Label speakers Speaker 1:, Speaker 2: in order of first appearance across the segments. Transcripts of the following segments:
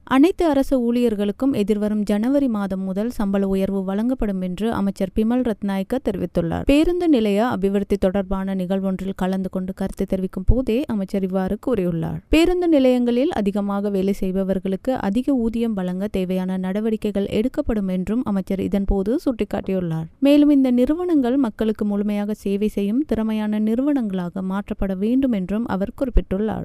Speaker 1: அனைத்து அரசு ஊழியர்களுக்கும் எதிர்வரும் ஜனவரி மாதம் முதல் சம்பள உயர்வு வழங்கப்படும் என்று அமைச்சர் பிமல் ரத்நாயக்க தெரிவித்துள்ளார். பேருந்து நிலைய அபிவிருத்தி தொடர்பான நிகழ்வொன்றில் கலந்து கொண்டு கருத்து தெரிவிக்கும் போதே அமைச்சர் இவ்வாறு கூறியுள்ளார். பேருந்து நிலையங்களில் அதிகமாக வேலை செய்பவர்களுக்கு அதிக ஊதியம் வழங்க தேவையான நடவடிக்கைகள் எடுக்கப்படும் என்றும் அமைச்சர் இதன்போது சுட்டிக்காட்டியுள்ளார். மேலும் இந்த நிறுவனங்கள் மக்களுக்கு முழுமையாக சேவை செய்யும் திறமையான நிறுவனங்களாக மாற்றப்பட வேண்டும் என்றும் அவர் குறிப்பிட்டுள்ளார்.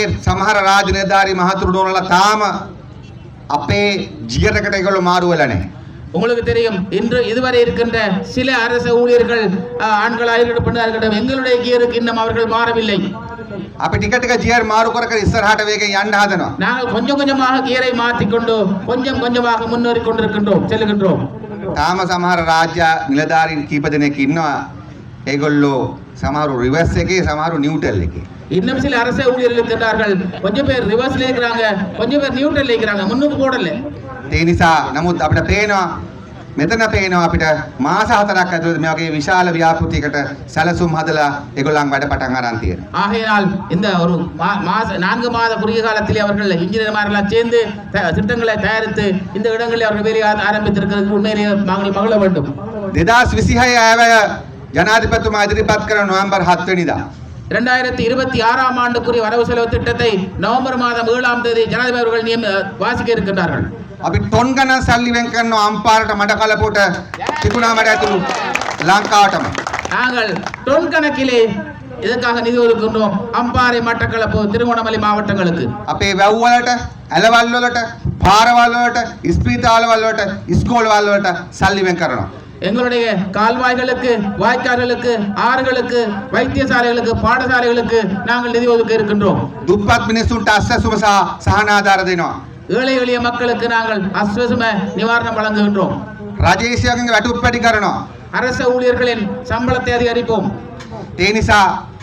Speaker 2: அப்பே ஜியரகடைகள் மாறுவலனே
Speaker 3: உங்களுக்கு தெரியும், இன்று இதுவரை இருக்கின்ற சில அரசு ஊழியர்கள் ஆண்களாக இருக்கட்டும் பெண்ணாக இருக்கட்டும் எங்களுடைய கியருக்கு இன்னும் அவர்கள் மாறவில்லை.
Speaker 2: அப்ப டிக்கெட்டுக்கு ஜியர் மாறு கர இස්සරහට வேகம் යන්න හදනවා.
Speaker 3: நாங்கள் கொஞ்சம் கொஞ்சமாக கியரை மாற்றிக்கொண்டு கொஞ்சம் கொஞ்சமாக முன்னேறி கொண்டிருக்கின்றோம் செல்கின்றோம்.
Speaker 2: තාම සමහර රාජ්‍ය නිලධාරීන් කීප දෙනෙක් ඉන්නවා. ඒගොල්ලෝ සමහරු රිවර්ස් එකේ සමහරු නිව්ටල් එකේ.
Speaker 3: இன்னும் சில அரசு ஊழியர்கள் இருக்கின்றார்கள். கொஞ்சம் பேர் ரிவர்ஸ்ல இருக்கிறாங்க, கொஞ்சம் பேர் நியூட்ரல்ல இருக்கிறாங்க, முன்னுக்கு போடல.
Speaker 2: ඒ නිසා නමුත් අපිට පේනවා මෙතන පේනවා අපිට මාස 4ක් ඇතුළත මේ වගේ විශාල ව්‍යාපෘතියකට සැලසුම් හදලා ඒගොල්ලන් වැඩ පටන් අරන් තියෙනවා.
Speaker 3: ஆகையால் இந்த ஒரு 4 மாத குறுகிய காலத்திலே அவர்கள் இன்ஜினியர்மாரெல்லாம் சேர்ந்து திட்டங்களை தயாரித்து இந்த இடங்களில் அவர்கள் வேலை ஆரம்பித்திருக்கிறது உண்மையிலேயே நாங்கள் மகிழ வேண்டும்.
Speaker 2: 2026 ආයවැය ජනාධිපතිතුමා ඉදිරිපත් කරන නොවැම්බර් 7 වෙනිදා
Speaker 3: 2026 ஆண்டுக்குரிய வரவு செலவு திட்டத்தை நவம்பர் மாதம் 7ஆம் தேதி ஜனாதிபதி அவர்கள் வாசிக்க இருக்கின்றார்கள்.
Speaker 2: අපි ටොන් ගණන් සල්ලි වෙන් කරනවා අම්පාරට මඩ කලපොට තිබුණා මඩ ඇතුළු ලංකාවටම.
Speaker 3: நாங்கள் டொன் கணக்கிலே இதற்காக நிதி ஒதுக்குகிறோம் அம்பாறை மட்டக்களப்பு திருகோணமலை மாவட்டங்களுக்கு.
Speaker 2: අපේ වැව් වලට ඇලවල් වලට පාරවල් වලට ස්පීතාලවල් වලට ඉස්කෝලවල් වලට සල්ලි වෙන් කරනවා.
Speaker 3: எங்களுடைய கால்வாய்களுக்கு வாய்க்கால்களுக்கு ஆறுகளுக்கு வைத்தியசாலைகளுக்கு பாடசாலைகளுக்கு நாங்கள் நிதி ஒதுக்க இருக்கின்றோம்.
Speaker 2: දුප්පත් මිනිස්සුන්ට අස්සසුම සහ සහනාධාර දෙනවා.
Speaker 3: ஏழை எளிய மக்களுக்கு நாங்கள் அஸ்வசும நிவாரணம் வழங்குகின்றோம்.
Speaker 2: රජේෂයන්ගේ වැටුප්පැටි කරනවා.
Speaker 3: அரசு ஊழியர்களின் சம்பளத்தை அதிகரிப்போம்.
Speaker 2: ඒ නිසා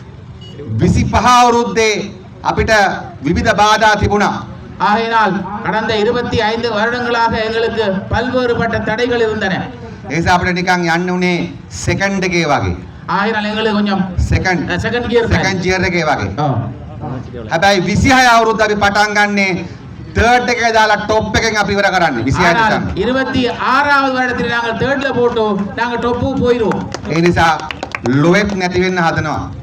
Speaker 2: 25 අවුරුද්දේ අපිට විවිධ බාධා තිබුණා.
Speaker 3: ஆகையினால் கடந்த 25 வருடங்களாக எங்களுக்கு பல்வேறுபட்ட தடைகள் இருந்தன.
Speaker 2: ඒ නිසා අපිට නිකන් යන්න උනේ සෙකන්ඩ් එකේ වගේ.
Speaker 3: ஆகையினால் எங்களுக்கு கொஞ்சம் செகண்ட்
Speaker 2: ගියර් එකේ වගේ. හැබැයි 26 අවුරුද්ද අපි පටන් ගන්නේ තර්ඩ් එකේ දාලා ටොප් එකෙන් අපි ඉවර කරන්නේ 26
Speaker 3: 26வது வருடத்தில் நாங்கள் தேர்ட்ல போட்டு நாங்கள் டாப் போயிடுவோம்.
Speaker 2: ඒ නිසා ලොවෙක් නැති වෙන්න හදනවා.